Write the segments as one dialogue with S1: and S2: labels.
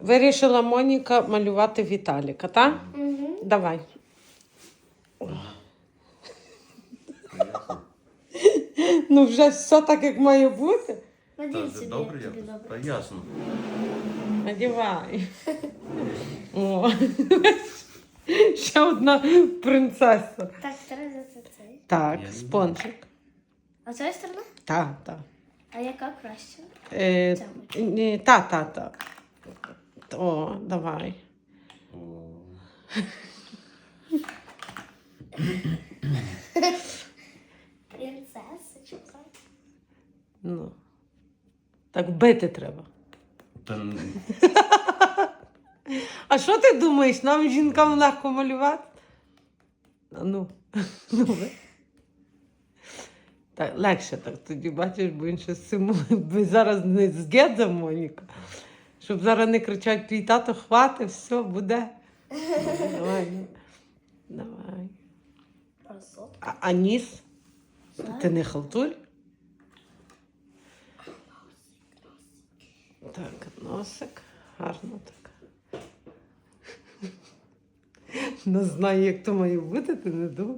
S1: Вирішила Моніка малювати Віталіка, так?
S2: Угу.
S1: Давай. Ну вже все так, як має бути.
S2: Надій
S3: Та
S2: собі,
S3: добре,
S2: як тобі
S3: якось.
S2: добре.
S3: Та ясно.
S1: Надівай. О. Ще одна принцеса.
S2: Так, зараз це цей.
S1: Так,
S3: Я не
S1: спонжик.
S2: А з цієї сторони?
S1: Так, так.
S2: А яка краще?
S1: Та. О, давай.
S3: О.
S2: Принцесочка.
S1: Ну. Так бити треба.
S3: Та
S1: А що ти думаєш, нам жінкам легко малювати? Ну, ви. Так, легше так тоді, бачиш, бо він ще з цим би зараз не згедza, Моніка. Щоб зараз не кричать, твій тато хватить, все, буде. Давай, ну. Давай.
S2: Красотка.
S1: А ніс? Ти не халтурь? Так, носик. Гарно так. Не знаю, як то має бути, ти не думай.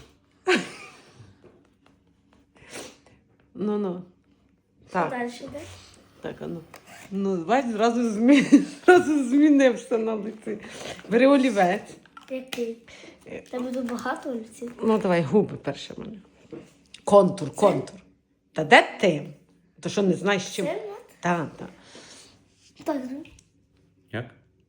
S1: Ну. Так,
S2: Далі йде?
S1: так, ну. Ну, бач, зразу змінився на лиці. Бери олівець.
S2: Який? Та буду багато олівців.
S1: Ну, давай, губи перше мене. Контур. Та де ти? То що, не знаєш, чим?
S2: Це от?
S1: Так.
S2: Так, ну.
S3: як?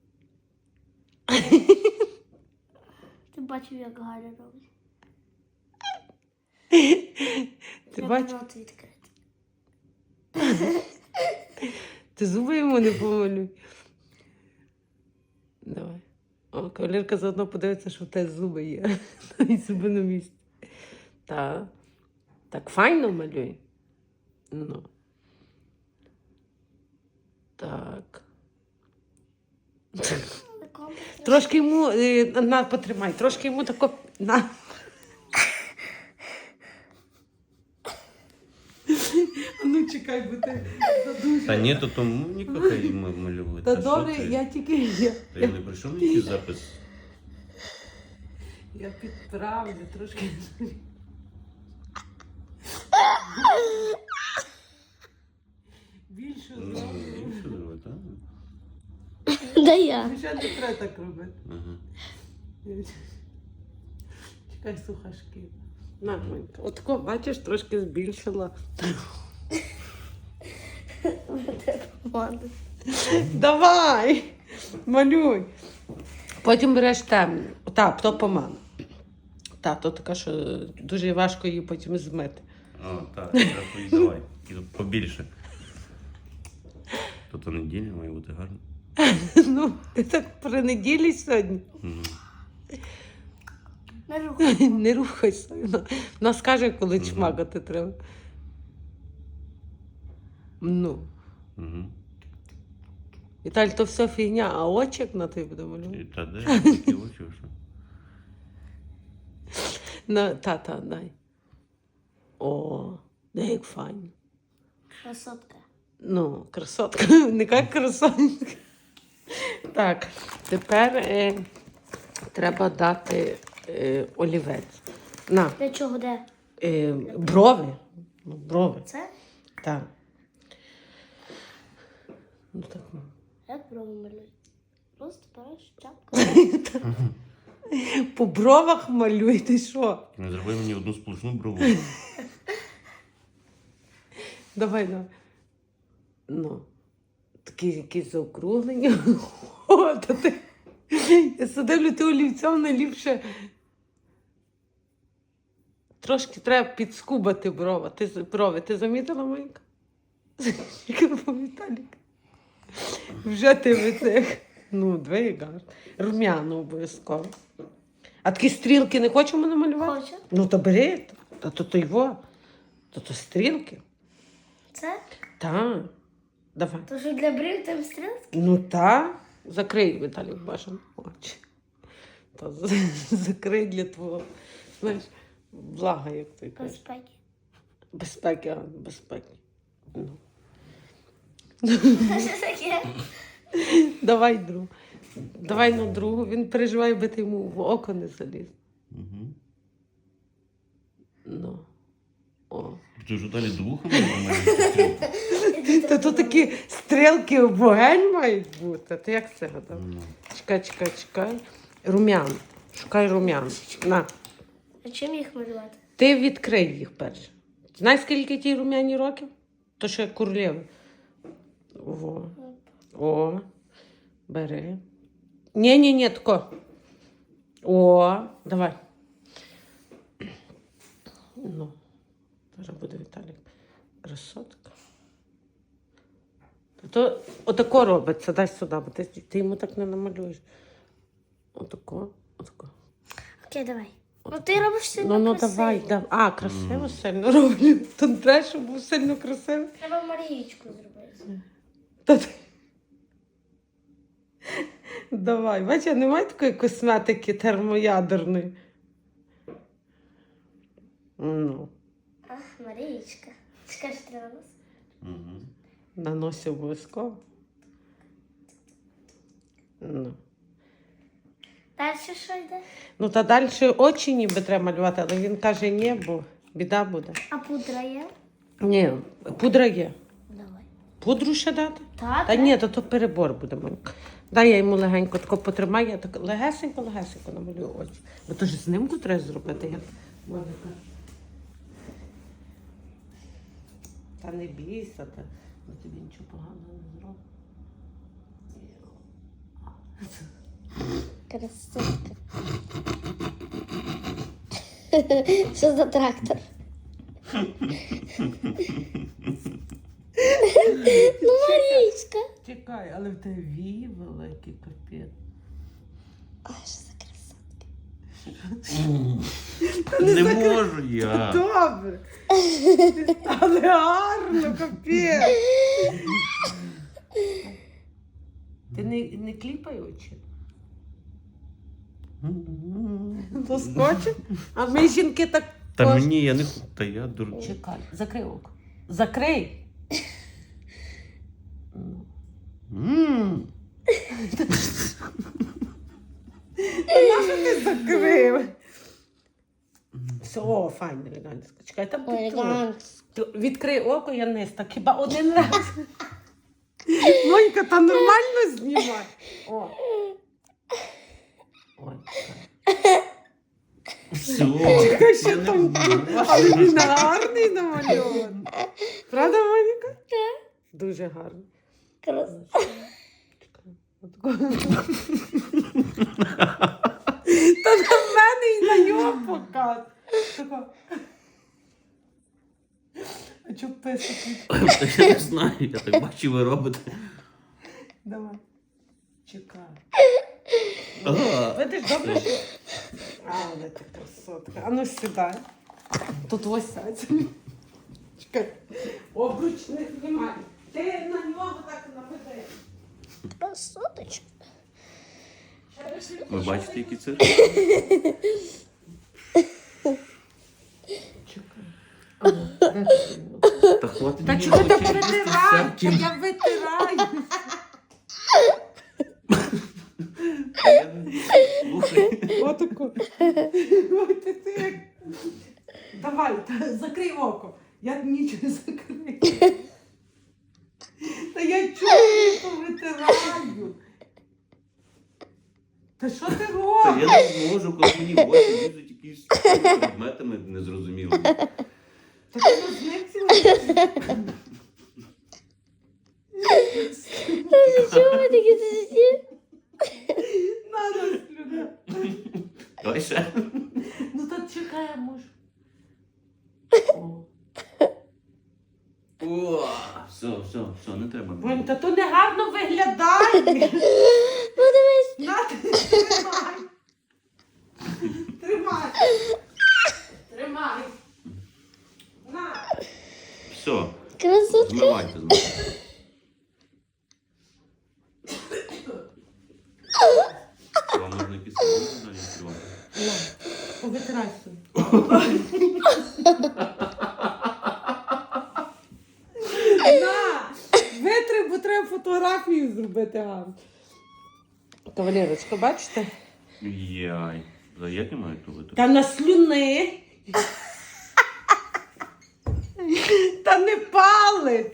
S2: Ти бачив, як Галя робить.
S1: Ти
S2: Я
S1: бачиш?
S2: рот відкрити.
S1: Ти зуби йому не помалюй. Давай. О, кавалерка заодно подивиться, що в тебе зуби є. І зуби на місці. Так. Так файно малюй. Ну. Так. Трошки йому, на, потримай, трошки йому тако, на. Ну, чекай, бо ти задуже.
S3: Та ні, то тому ніколи малювати.
S1: Та
S3: Та що
S1: добре,
S3: ти?
S1: я тільки,
S3: Та я не прийшов на якийсь запис.
S1: я підправлю трошки. Більше
S3: Ну,
S1: зроблю.
S3: і що зробити, так?
S2: Да я.
S1: Ще не треба так робити.
S3: Ага.
S1: Чекай, сухашки. На, Монька. Отако, бачиш, трошки збільшила. Давай, малюй. Потім береш темну. Так, то помада. Так, то така, що дуже важко її потім змити.
S3: О, так, і давай. І тут побільше. Тут неділя має бути гарно.
S1: Ну, ти так при неділі сьогодні.
S3: Мгм.
S2: Не рухай.
S1: Не рухайся. Вона скаже, коли чмагати треба. Ну.
S3: Угу.
S1: Віталь, то все фігня, а очік на тебе буде малювати.
S3: Та де? Які очі, що?
S1: Та, дай. О, де як файно.
S2: Красотка.
S1: Ну, красотка. Не як красотка. Так, тепер треба дати олівець. На,
S2: Для чого де?
S1: брови. Ну, брови.
S2: Це?
S1: Так. Ну, так.
S2: Як брови малюють? Просто береш чапку.
S1: По бровах малюй, ти що?
S3: Не зроби мені одну сплошну брову.
S1: Давай. Ну, такі якісь заокруглення. О, та ти. Я садивлю, ти олівцем найліпше. Трошки треба підскубати брови. Ти замітила, Монька? Віталік. Вже ти в цих. Ну, двоє гарно. Рум'яно обов'язково. А такі стрілки не хочемо намалювати?
S2: Хочу.
S1: Ну, то бери. То його. То стрілки.
S2: Це?
S1: Так. Давай.
S2: То що для брів там стрілки?
S1: Ну так. Закрий, Віталій, бажано очі. Та закрий для твого, знаєш, блага, як ти кажеш.
S2: Безпеки.
S1: Безпеки. Ну.
S2: Що таке?
S1: Давай другу. Давай на другу. Він переживає, би ти йому в око не заліз.
S3: Угу.
S1: Ну. О.
S3: Ти ж далі двухами нормально.
S1: Та тут такі стрілки в вогонь мають бути. Ти як це гадав?
S3: Ну.
S1: Чекай. Рум'ян. Шукай рум'ян. На.
S2: А чим їх малювати?
S1: Ти відкрий їх перше. Знаєш, скільки тій рум'яні років? То ще королеви. О. Бери. Ні, тако. О, давай. Ну. Зараз буде Віталік. Красотка. То отако робиться. Дай сюди, бо ти йому так не намалюєш. Отако.
S2: Окей, давай. Ну ти робиш сильно
S1: Ну,
S2: красиво.
S1: давай. А, красиво сильно роблю. То не треба, щоб був сильно красивий.
S2: Треба Марієчку зробити.
S1: Та ти- Давай. Бач, я не маю такої косметики термоядерної. Ну,
S2: Ах, Марієчка. Чекай, що треба нас?
S3: Угу.
S1: на носі обов'язково. Ну.
S2: Далі що йде?
S1: Ну, та далі очі ніби треба малювати, але він каже, ні, бо біда буде.
S2: А пудра є?
S1: Ні, пудра є.
S2: Давай.
S1: Пудру ще дати?
S2: Так.
S1: Та ні, то перебор буде, Монька. Дай я йому легенько тако потримаю, я так легесенько намалюю очі. Бо то ж знимку треба зробити, як Моніка. Та не бійся, бо тобі нічого поганого не зробить.
S2: Красотка. Що за трактор? Ну, Марічка.
S1: Чекай, але в тебе вії великий капець.
S2: Ой, що за красотка.
S3: Не можу я.
S1: Добре. Але гарно, капець. Ти не кліпай очі. Доскочив? А ми жінки так...
S3: Та мені, я не... Та я дурний.
S1: Чекай, закрий око. Закрий. Нащо ти закрив? Все, о, файно, елегантно. Чекай, там відкрий око, я не так хіба один раз. Монька, та нормально знімай. О. Ой, чекай.
S3: Все,
S1: Чекай, що
S3: я не
S1: там?
S3: буду.
S1: Але він гарний намальований. Правда, Моніка?
S2: Так.
S1: Дуже гарний.
S2: Красотка.
S1: Отако. Та на мене і на нього показ. Тако. А чого писати?
S3: Я не знаю, я так бачу, ви робите.
S1: Давай. Чекай.
S3: Ага.
S1: Видиш, добре, що... Але ти красотка. А ну сідай. Тут ось сядь. Чекай. Обруч не знімай. Ти на нього так наведи.
S2: Красоточка.
S3: Ви бачите, які це?
S1: Чекай. А, ну, де ти?
S3: Та хватить
S1: Та
S3: мені
S1: чого ти
S3: очі
S1: притираєш?
S3: всяким.
S1: Я витираю.
S3: Я не- Слухай.
S1: Отако. Ой, ти як. Давай, закрий око. Я нічого не закрию. Та я чого повитираю. Та що ти
S3: Та
S1: робиш?
S3: я не можу, коли мені в очі лізуть якісь предметами незрозумілими.
S1: Та ти розницяла?
S2: Чого ви такі сусі?
S1: Надо слюна.
S3: Давай ще.
S1: Ну так чекай, я можу. О.
S3: О, все, не треба.
S1: Бонь, та то не гарно виглядає.
S2: Подивись.
S1: На, тримай. Тримай. Тримай. На.
S3: Все,
S2: Красотка.
S3: змивайте. Вам можна якісь салони далі відкривати?
S1: На, повитирай собі. На, витри, бо треба фотографію зробити. зробити гарно. Кавалерочка, бачите?
S3: Яй. За як я маю ту витру?
S1: Та на слюни. Та не палець.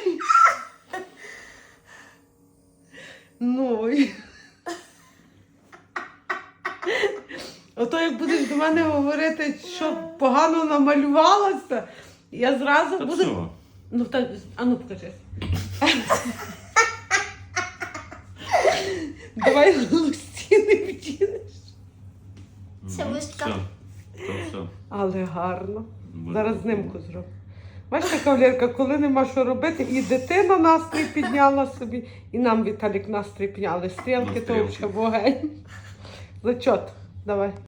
S1: Ну. Ото як будеш до мене говорити, що погано намалювалася, я зразу
S3: Та
S1: буду.
S3: все.
S1: Ну так, а ну покажи. Давай лустіни вдінеш.
S2: Це
S3: Ну,
S2: вишка.
S3: все. То все.
S1: Але гарно.
S3: Буде.
S1: Зараз знимку зроблю. Бачите, кавалерка, коли нема що робити, і дитина настрій підняла собі, і нам Віталік настрій підняли. Стрілки, то
S3: стрілки.
S1: вже вогонь. Зачот. Давай.